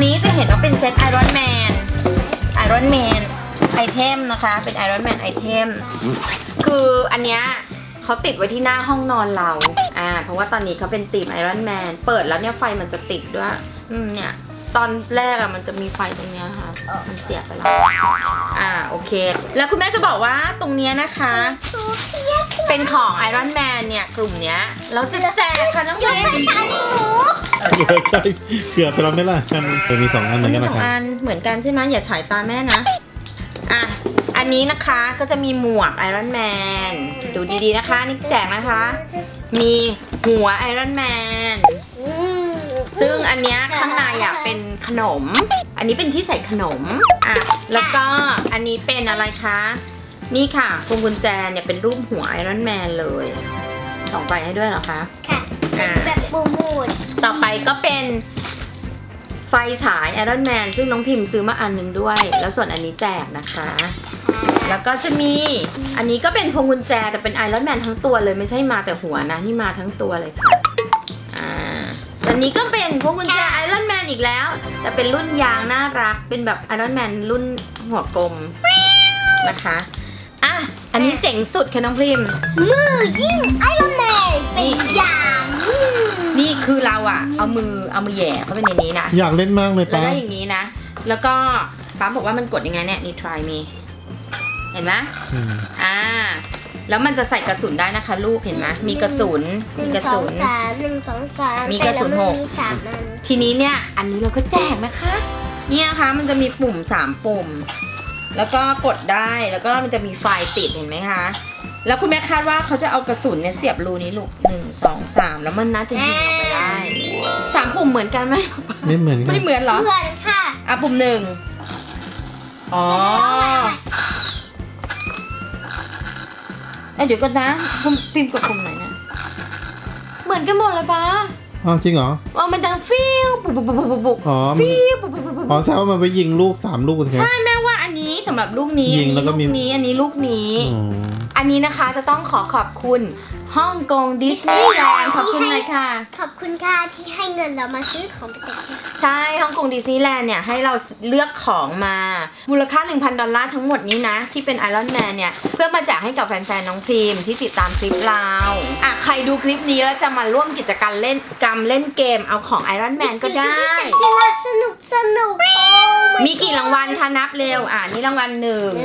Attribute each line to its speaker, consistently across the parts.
Speaker 1: นี้จะเห็นว่าเป็นเซตไอรอนแมนไอเทมนะคะเป็นไอรอนแมนไอเทมคืออันเนี้ยเขาติดไว้ที่หน้าห้องนอนเราเพราะว่าตอนนี้เขาเป็นธีมไอรอนแมนเปิดแล้วเนี่ยไฟมันจะติดด้วยเนี่ยตอนแรกอะมันจะมีไฟตรงเนี้ยค่ะมันเสียไปแล้วโอเคแล้วคุณแม่จะบอกว่าตรงเนี้ยนะคะเป็นของไอรอนแมนเนี่ยกลุ่มเนี้ยเราจะแจกค่ะน้องเมย์
Speaker 2: ใช่เกือบไปแล้วไหมล่ะมันมี2 อันเหมือนกัน
Speaker 1: มี
Speaker 2: นะ
Speaker 1: 2
Speaker 2: ครับ
Speaker 1: อันเหมือนกันใช่ไหมอย่าฉายตาแม่นะอันนี้นะคะก็จะมีหมวกไอรอนแมนดูดีๆนะคะนี่แจกนะคะมีหัวไอรอนแมนซึ่งอันเนี้ยข้างในเป็นขนมอันนี้เป็นที่ใส่ขนมแล้วก็อันนี้เป็นอะไรคะนี่ค่ะพวงกุญแจเนี่ยเป็นรูปหัวไอรอนแมนเลยส่องไปให้ด้วยเหรอคะ
Speaker 2: ค่ะ
Speaker 1: แบบ
Speaker 2: บูด
Speaker 1: ต่อไปก็เป็นไฟฉายไอรอนแมนซึ่งน้องพิมพ์ซื้อมาอันนึงด้วยแล้วส่วนอันนี้แจกนะคะแล้วก็จะมีอันนี้ก็เป็นพวงกุญแจแต่เป็นไอรอนแมนทั้งตัวเลยไม่ใช่มาแต่หัวนะนี่มาทั้งตัวเลยค่ะอันนี้ก็เป็นพวงกุญแจไอรอนแมนอีกแล้วแต่เป็นรุ่นยางน่ารักเป็นแบบไอรอนแมนรุ่นหัวกลมนะคะอันนี้เจ๋งสุดค่ะน้องพิมพ์
Speaker 2: มือยิ่งไอรอนแมนเป็นยาง
Speaker 1: นี่คือเราเอามือแหย่เข้าไปในนี้นะ
Speaker 2: อยากเล่นมากเลยป้า
Speaker 1: แล้วอย่างนี้นะแล้วก็ป้าบอกว่ามันกดยังไงเนี่ยนี่ try me เห็นไหมแล้วมันจะใส่กระสุนได้นะคะลูกเห็นไหมมีกระสุน
Speaker 2: 1 2 3มีกระสุน6มี3 อัน
Speaker 1: ทีนี้เนี่ยอันนี้เราก็แจกนะคะเนี่ยนะคะมันจะมีปุ่ม3 ปุ่มแล้วก็กดได้แล้วก็มันจะมีไฟติดเห็นไหมคะแล้วคุณแม่คาดว่าเขาจะเอากระสุนเนี่ยเสียบรูนี้ลูก1 2 3แล้วมันน่าจะยิงออกไปได้3 ปุ่มเหมือนกันไหม
Speaker 2: ไม่เหมือน
Speaker 1: ไม่เหมือนเหรอ
Speaker 2: เหมือนค่ะ
Speaker 1: ปุ่ม1เดี๋ยวก่อนนะพิมพ์กดปุ่มไหนนะเหมือนกันหมดเลยป้า
Speaker 2: จริงเหรอ
Speaker 1: มันดังฟิวบุกฟิวบุก
Speaker 2: แสดงว่ามันไปยิงลูก3 ลูก
Speaker 1: ใช่แม่ว่าอันนี้สำหรับลูกนี้
Speaker 2: ยิงแล้วก็มี
Speaker 1: อันนี้ลูกนี้อันนี้นะคะจะต้องขอบคุณฮ่องกงดิสนีย์แลนด์ขอบคุณเลยค่ะ
Speaker 2: ขอบคุณค่ะที่ให้เงินเรามาซื้อของไปแต่ง
Speaker 1: ใช่ฮ่องกงดิสนีย์แลนด์เนี่ยให้เราเลือกของมามูลค่า $1,000 ทั้งหมดนี้นะที่เป็นไอรอนแมนเนี่ยเพื่อมาแจกให้กับแฟนๆน้องพรีมที่ติดตามคลิปเราใครดูคลิปนี้แล้วจะมาร่วมกิจกรรมเล่นเกมเอาของไอรอนแมนก็ได้
Speaker 2: สนุก
Speaker 1: มีกี่รางวัลคะนับเร็วนี่รางวัล1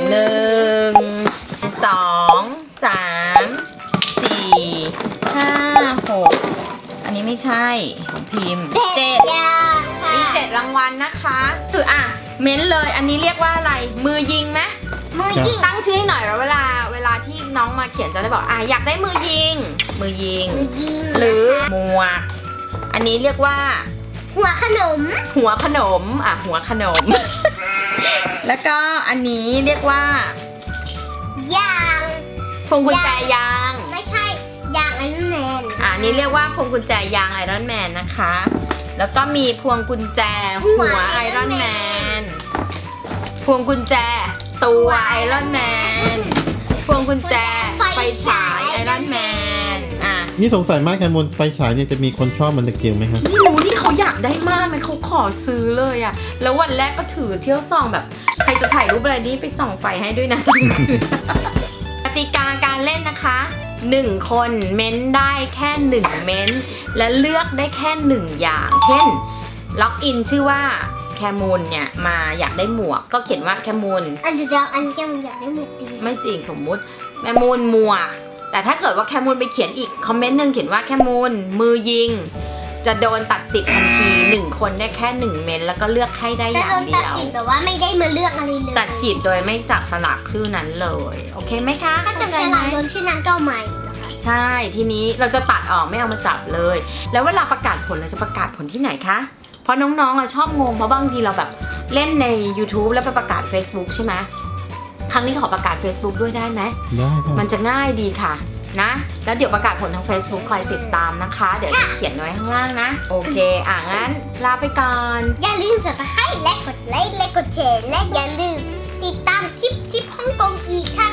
Speaker 1: 2 3 4 5 6อันนี้ไม่ใช่ของพิมพ์7มี7 รางวัลนะคะคือเม้นเลยอันนี้เรียกว่าอะไรมือยิงไหม
Speaker 2: มือยิง
Speaker 1: ตั้งชื่อให้หน่อยแล้วเวลาที่น้องมาเขียนจะได้บอกอยากได้มือยิงหรือหมวกอันนี้เรียกว่า
Speaker 2: หัวขนม
Speaker 1: หัวขนมแล้วก็อันนี้เรียกว่าย
Speaker 2: าง
Speaker 1: พวงกุญแจยาง
Speaker 2: ไม่ใช่ยางไอรอนแมน
Speaker 1: นี่เรียกว่าพวงกุญแจยางไอรอนแมนนะคะแล้วก็มีพวงกุญแจหัวไอรอนแมนพวงกุญแจตัวไอรอนแมนพวงกุญแจไฟฉายไอรอนแมน
Speaker 2: นี่สงสัยมากแคมูลไฟฉายเนี่ยจะมีคนชอบมันตะเกียงไหมครับ
Speaker 1: ไม่รู้นี่เขาอยากได้มากเลยเขาขอซื้อเลยแล้ววันแรกก็ถือเที่ยวส่องแบบใครจะถ่ายรูปอะไรนี่ไปส่องไฟให้ด้วยนะกติกาการเล่นนะคะ1 คนเม้นได้แค่1 เม้นและเลือกได้แค่1 อย่างเช่นล็อกอินชื่อว่าแคมูลเนี่ยมาอยากได้หมวกก็เขียนว่าแคมูล
Speaker 2: อันแคมูลอยากได้หมวก
Speaker 1: ไม่จริงสมมุติแคมูลหมวกแต่ถ้าเกิดว่าแคมูลไปเขียนอีกคอมเมนต์นึงเขียนว่าแคมูลมือยิงจะโดนตัดสิทธิ์ทันที1 คนได้แค่1 เม้นแล้วก็เลือกให้ได้อย่างเดียว
Speaker 2: ตัดสิทธิ์แต่ว่าไม่ได้มาเลือกอะไรเลย
Speaker 1: ตัดสิทธิ์โดยไม่จับสลักชื่อนั้นเลยโอเคไหมคะ
Speaker 2: ถ้าจับสลักโดนชื่อนั้นก็ใหม่
Speaker 1: ใช่ทีนี้เราจะตัดออกไม่เอามาจับเลยแล้วเวลาประกาศผลเราจะประกาศผลที่ไหนคะเพราะน้องๆชอบงงเพราะบางทีเราแบบเล่นใน YouTube แล้วไปประกาศ Facebook ใช่ไหมครั้งนี้ขอประกาศ Facebook ด้วยได้ไหม
Speaker 2: ได้
Speaker 1: มันจะง่ายดีค่ะนะแล้วเดี๋ยวประกาศผลทาง Facebook คอยติดตามนะคะเดี๋ยวจะเขียนไว้ข้างล่างนะโอเคงั้นลาไปก่อน
Speaker 2: อย่าลืมSubscribeและกดไลค์และกดแชร์และอย่าลืมติดตามคลิปฮ่องกงอีกค่ะ